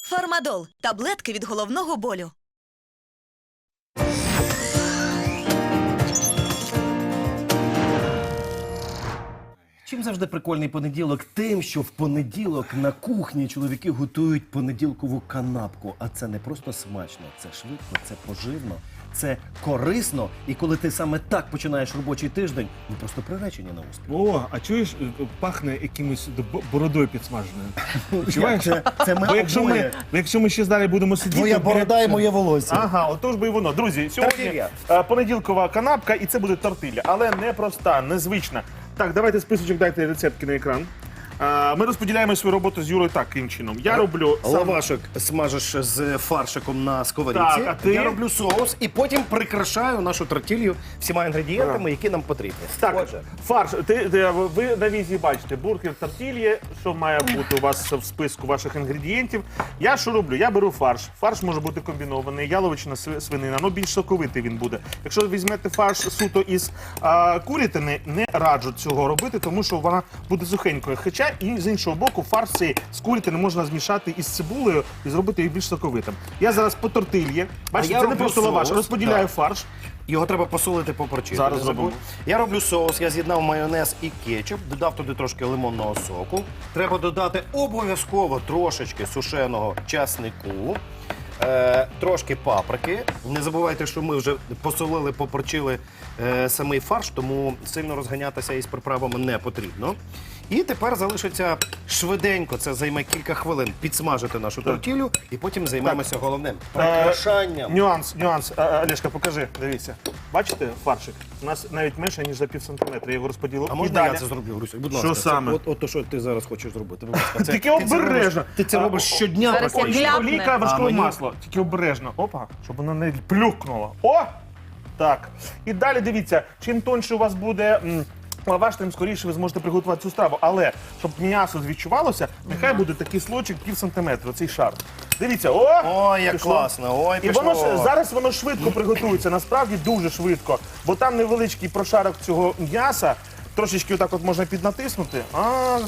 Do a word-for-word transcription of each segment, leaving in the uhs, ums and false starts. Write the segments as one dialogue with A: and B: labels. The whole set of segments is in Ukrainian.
A: Фармадол – таблетки від головного болю.
B: Чим завжди прикольний понеділок? Тим, що в понеділок на кухні чоловіки готують понеділкову канапку. А це не просто смачно, це швидко, це поживно, це корисно. І коли ти саме так починаєш робочий тиждень, ви просто приречені на успіх.
C: О, а чуєш, пахне якимось б- бородою підсмаженою. Відчуваєш?
B: Це, це ми
C: Бо якщо
B: обоє.
C: ми, бо якщо ми ще далі будемо сидіти...
D: Твоя
C: біля-
D: борода і моє волосся.
C: Ага, отож би і воно. Друзі, сьогодні
B: Тортилья.
C: е, понеділкова канапка, і це буде тортилля. Але не проста, незвична. Так, давайте списочок, дайте рецептки на екран. Е, Ми розподіляємо свою роботу з Юрою таким чином. Я роблю сам...
B: Лавашок смажеш з фаршиком на сковорідці.
C: Так, а ти?
B: Я роблю соус і потім прикрашаю нашу тортилью всіма інгредієнтами, які нам потрібні.
C: Так,
B: Отже,
C: фарш. Ти, ти- ви на візі бачите бургер тортильє, що має бути у вас в списку ваших інгредієнтів. Я що роблю? Я беру фарш. Фарш може бути комбінований, яловичина, сви- свинина, ну більш соковитий він буде. Якщо ви візьмете фарш суто із а, курятини, не раджу цього робити, тому що вона буде сухенькою. Хоча і з іншого боку, фарш цей з курятини можна змішати із цибулею і зробити їх більш соковитим. Я зараз по тортильє. Бачите,
B: я
C: це не
B: роблю
C: просто лаваш.
B: соус,
C: Розподіляю
B: так.
C: фарш.
B: його треба посолити, поперчити.
C: Зараз
B: Не забудь.
C: зробимо.
B: Я роблю соус, я з'єднав майонез і кетчуп, додав туди трошки лимонного соку. Треба додати обов'язково трошечки сушеного часнику. Е, трошки паприки. Не забувайте, що ми вже посолили, поперчили е, самий фарш, тому сильно розганятися із приправами не потрібно. І тепер залишиться швиденько, це займе кілька хвилин, підсмажити нашу тортілю і потім займемося головним – прикрашанням.
C: Е, Нюанс, нюанс. А, а, Олешка, покажи, дивіться. Бачите фаршик? У нас навіть менше, ніж за пів сантиметра. Я його розподілив.
B: А
C: І
B: можна
C: далі.
B: я це зроблю, Грусю? Будь
C: Що
B: ласка, це
C: саме?
B: От, от то, що ти зараз хочеш зробити. Будь ласка. Це-
C: Тільки
B: ти це
C: обережно.
B: робиш- Ти це
C: А,
B: робиш щодня
E: зараз я
B: практично.
E: гляну.
C: Олійка,
B: А
C: вершкове
B: мені-
C: масло. Тільки обережно. Опа, щоб воно не плюкнуло. О! Так. І далі дивіться, чим тоньше у вас буде м, лаваш, тим скоріше ви зможете приготувати цю страву. Але, щоб м'ясо відчувалося, нехай буде такий слочик пів сантиметра, цей шар. Дивіться, о!
B: Ой, як
C: Пішло.
B: класно, ой,
C: І
B: пішло.
C: воно ж зараз воно швидко приготується, насправді дуже швидко, бо там невеличкий прошарок цього м'яса, трошечки отак от можна піднатиснути. А,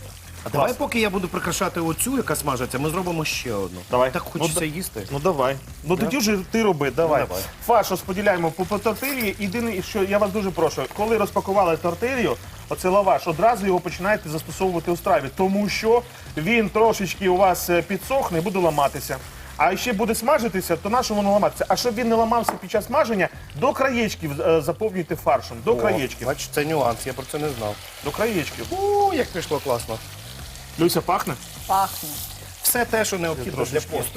B: А давай, поки я буду прикрашати оцю, яка смажиться, ми зробимо ще одну.
C: Давай.
B: Так хочеться
C: Ну,
B: їсти.
C: ну давай. Ну тоді вже ти роби, давай.
B: Ну, давай.
C: Фарш розподіляємо по, по тортилі. Єдине, що я вас дуже прошу, коли розпакували тортилью, оцей лаваш, одразу його починаєте застосовувати у страві, тому що він трошечки у вас е, підсохне і буде ламатися. А ще буде смажитися, то на що воно ламатися? А щоб він не ламався під час смаження, до краєчків е, заповнюйте фаршем. До краєчків.
B: Бачиш, це нюанс, я про це не знав.
C: До краєчків.
B: У, як пішло класно.
C: Люся, пахне?
E: Пахне.
B: Все те, що необхідно для посту.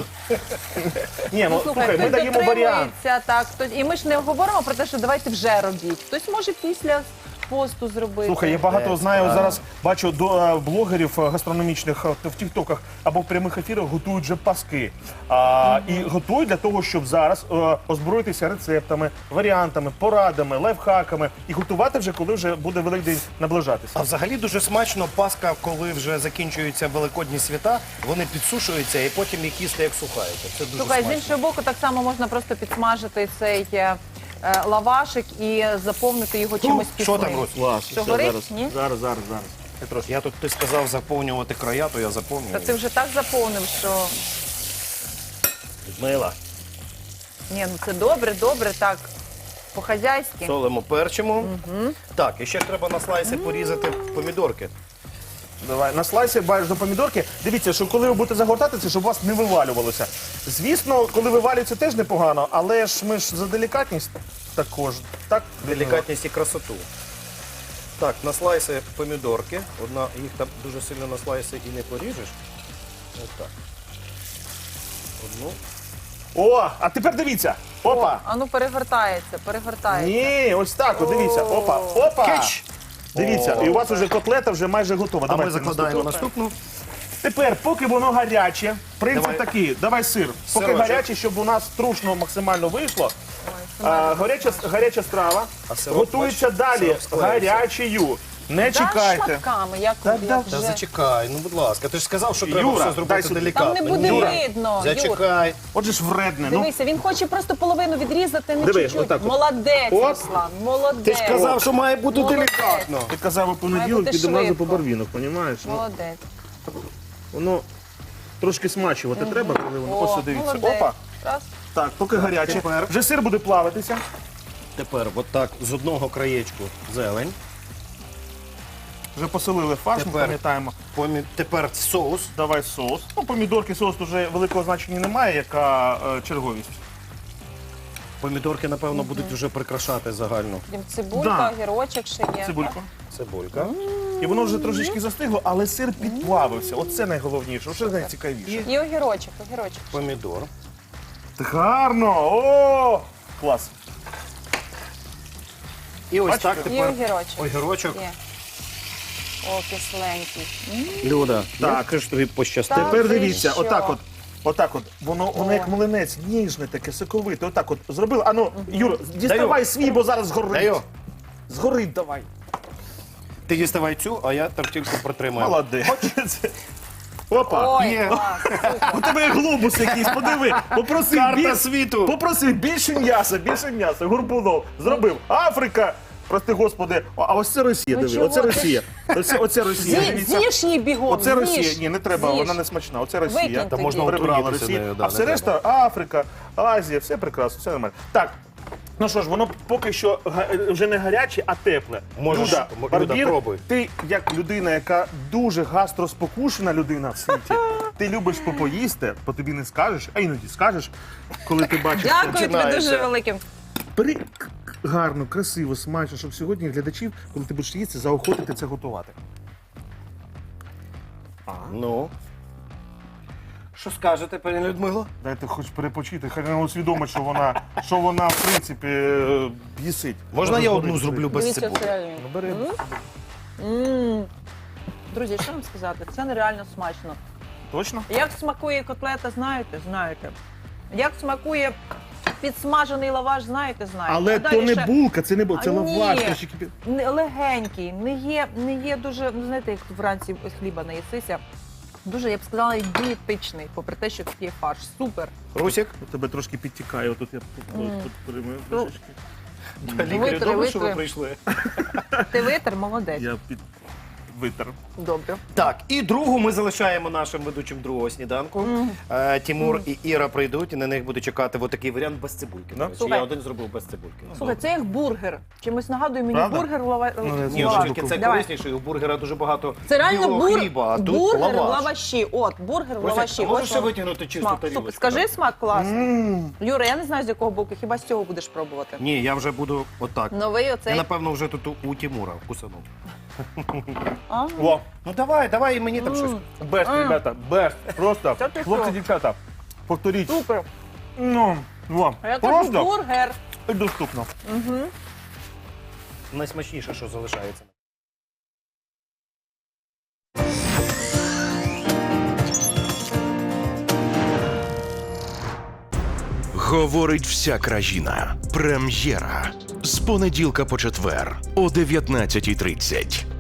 C: Ні, ну слухай, ми
E: хтось
C: даємо варіант.
E: дотримується, так, хтось- і ми ж не говоримо про те, що давайте вже робіть. Хтось може після посту зробити.
C: Слухай, я багато
B: Е,
C: знаю,
B: справа.
C: зараз бачу до е, блогерів е, гастрономічних е, в тіктоках або в прямих ефірах готують вже паски. А, І готують для того, щоб зараз е, озброїтися рецептами, варіантами, порадами, лайфхаками і готувати вже, коли вже буде Великдень наближатися.
B: А взагалі дуже смачно Пасха, коли вже закінчуються великодні свята, вони підсушуються і потім їх їсти як сухаються. Це дуже
E: Слухай, з
B: смачно.
E: іншого боку, так само можна просто підсмажити цей е, е, лавашик і заповнити його чимось
B: що
E: пісним.
B: там, Русь?
C: Клас.
E: Що, горить? Ні?
C: Зараз, зараз, зараз. Я трошки.
B: Я тут, ти сказав заповнювати края, то я заповнюю.
E: Та ти вже так заповнив, що
B: Людмила,
E: ні, ну це добре, добре, так, по-хазяйськи.
B: солимо, перчимо. Так, і ще ж треба на слайси порізати помідорки.
C: Давай, на слайсі бачиш до помідорки. Дивіться, що коли ви будете загортати це, щоб у вас не вивалювалося. Звісно, коли вивалюється, теж непогано, але ж ми ж за делікатність також. Так,
B: Делікатність і красоту. Так, на слайси помідорки. Одна, їх там дуже сильно на слайси і не поріжеш. Ось так. Одну.
C: О, а тепер дивіться. Опа.
E: А ну перегортається, перегортається.
C: Ні, ось так, от дивіться. Опа, опа.
B: Кетч!
C: Дивіться, і у вас вже котлета вже майже готова.
B: А
C: Давайте
B: ми закладаємо
C: наступну.
B: наступну.
C: Тепер, поки воно гаряче, принцип
B: Давай.
C: такий, давай сир. Поки
B: Сирочок.
C: гаряче, щоб у нас трушно максимально вийшло.
E: Ой,
C: А, гаряча, гаряча страва
B: А сироп,
C: готується
B: бачиш,
C: далі
B: сироп склеївся.
C: гарячою. Не
E: Да,
C: чекайте.
E: шматками, як,
C: Так,
E: як
C: да.
B: Та
E: вже.
B: зачекай, ну будь ласка, ти ж сказав, що треба
C: Юра,
B: все
C: дай
B: зробити
C: сюди.
B: делікатно.
E: Там не буде
B: Юра,
E: видно, Юр.
B: Зачекай.
C: Отже ж вредне. Ну,
E: Дивися, він хоче просто половину відрізати, не
C: Диви,
E: чуть-чуть.
C: отак от.
E: Молодець,
C: Оп.
E: Руслан, молодець.
B: Ти ж казав, що має бути
E: Молодець.
B: делікатно.
C: ти казав у
E: Має
C: понеділок,
E: бути
C: підемо разу по
E: швидко.
C: барвінок, розумієш? Ну,
E: Молодець.
C: воно трошки смачувати треба, коли воно.
E: О,
C: Ось, дивіться.
E: молодець.
C: Опа.
E: Раз.
C: Так, поки гаряче.
B: тепер.
C: Вже сир буде плавитися.
B: Тепер отак з одного краєчку зелень.
C: Вже посолили фарш, ми
B: Тепер.
C: пам'ятаємо.
B: Помі- Тепер соус.
C: Давай соус. Ну, помідорки, соус вже великого значення немає, яка е, черговість.
B: Помідорки, напевно, будуть вже прикрашати загальну
E: Потім цибулька,
C: Да.
E: огірочок ще є.
C: Цибульку.
B: цибулька.
C: І воно вже трошечки застигло, але сир підплавився. Оце найголовніше, оце найцікавіше.
E: І огірочок, огірочок.
B: Помідор.
C: Так гарно! О! Клас.
B: І ось
C: Бачите?
B: так
E: І
B: тепер
E: огірочок.
B: огірочок.
E: Є. О, кисленький.
B: Люда,
C: Так.
B: як ж тобі пощастило.
E: Так.
C: Тепер
E: ти
C: дивіться,
E: що?
C: отак от. Отак от, воно, воно як млинець, ніжне таке, соковите. Отак от зробили. Ану, Юр, діставай
B: Даю.
C: свій, бо зараз згорить.
B: Даю.
C: Згорить давай.
B: Ти діставай цю, а я тортильку протримаю.
C: Молодець. Опа.
E: Ой,
B: Є.
E: клас, супер.
C: У тебе є глобус якийсь, подиви. Попроси
B: Карта
C: біль-
B: світу.
C: Попроси більше м'яса, більше м'яса. Горбунов зробив. Африка. Прости господи, а а ось це Росія,
E: Ну
C: диви,
E: чого
C: оце
E: ти?
C: Росія. Оце, оце Росія.
E: Зі-
C: Дивіться.
E: З'їж її бігом,
C: Оце
E: з'їж.
C: Росія. Ні, не треба,
E: З'їж.
C: вона не смачна. Оце Росія.
E: Викинь
B: Та можна
E: тоді.
C: Прибрала
B: отруїтися
C: Росія.
B: нею, да,
C: А
B: не
C: все
B: треба.
C: решта Африка, Азія, все прекрасно, все нормально. Так. Ну що ж, воно поки що га- вже не гаряче, а тепле.
B: Можеш,
C: Люда,
B: Люда,
C: Барбір,
B: пробуй.
C: ти як людина, яка дуже гастроспокушена людина в світі, ти любиш попоїсти, по тобі не скажеш, а іноді скажеш, коли ти бачиш. це.
E: Дякую тобі
B: починається.
E: дуже великим.
C: Бери к- к- гарно, красиво, смачно, щоб сьогодні глядачів, коли ти будеш їсти, заохотити це готувати.
B: Ну. Що скажете, пані Людмило?
C: Дайте хоч перепочити, хай вона усвідомить, що вона, що вона в принципі е, бісить.
B: Можна я
C: згорить
B: одну
C: це.
B: зроблю без
E: Дивіться,
B: цибулі?
E: це реально.
C: Ну, бери.
E: М. Друзі, що вам сказати? Це нереально смачно.
C: Точно?
E: Як смакує котлета, знаєте? Знаєте. Як смакує підсмажений лаваш, знаєте, знаєте.
C: Але
E: А
C: то
E: далі
C: не
E: ще
C: булка, це не булка, це
E: А, ні.
C: лаваш. трошки пі-
E: не- легенький, не є, не є дуже, ну знаєте, як вранці хліба наїсися. Дуже, я б сказала, дієтичний, попри те, що тут є фарш. Супер.
B: Русік?
C: У тебе трошки підтікає, отут я тут, тут перемию
E: Ну,
C: трошечки.
B: Лікарі,
E: Витри,
B: добре, що ви
E: витри.
B: прийшли.
E: Ти витер, молодець.
C: Я під витер.
E: Добре.
B: Так, і другу ми залишаємо нашим ведучим другого сніданку. Е, Тімур і Іра прийдуть, і на них буде чекати отакий варіант без цибульки.
C: Да?
B: До речі.
E: Слухай.
B: Я один зробив без цибульки.
E: Слухай, це як бургер. Чимось нагадує мені
C: Правда?
E: бургер в лава...
C: Ну, не
E: в
C: знаю,
B: Ні,
E: лаваші.
B: тільки це
E: Давай.
B: корисніше, і у бургера дуже багато
E: Це реально
B: білого
E: бур...
B: хліба, а тут
E: бургер в
B: лаваш.
E: лаваші. От, бургер в
B: Русик,
E: лаваші.
B: а можеш
E: Ось
B: ще
E: он.
B: витягнути чисту
E: Смак.
B: тарілочку?
E: Супер. Скажи смак класний.
C: М.
E: Юра, я не знаю, з якого боку, хіба з цього будеш пробувати.
B: Ні, я вже буду отак.
E: Новий
B: Я,
E: оцей.
B: напевно, вже тут у- у Тімура вкусанув.
E: А?
C: О,
B: Ну давай, давай і мені там щось.
C: бест,
E: М.
C: ребята, бест. Просто,
E: Та ти
C: хлопці,
E: що?
C: дівчата, повторіть.
E: Супер.
C: Ну, о,
E: А я кажу
C: просто
E: бургер.
C: і доступно.
B: Найсмачніше, що залишається.
D: Говорить вся країна. Прем'єра. З понеділка по четвер о дев'ятнадцятій тридцять.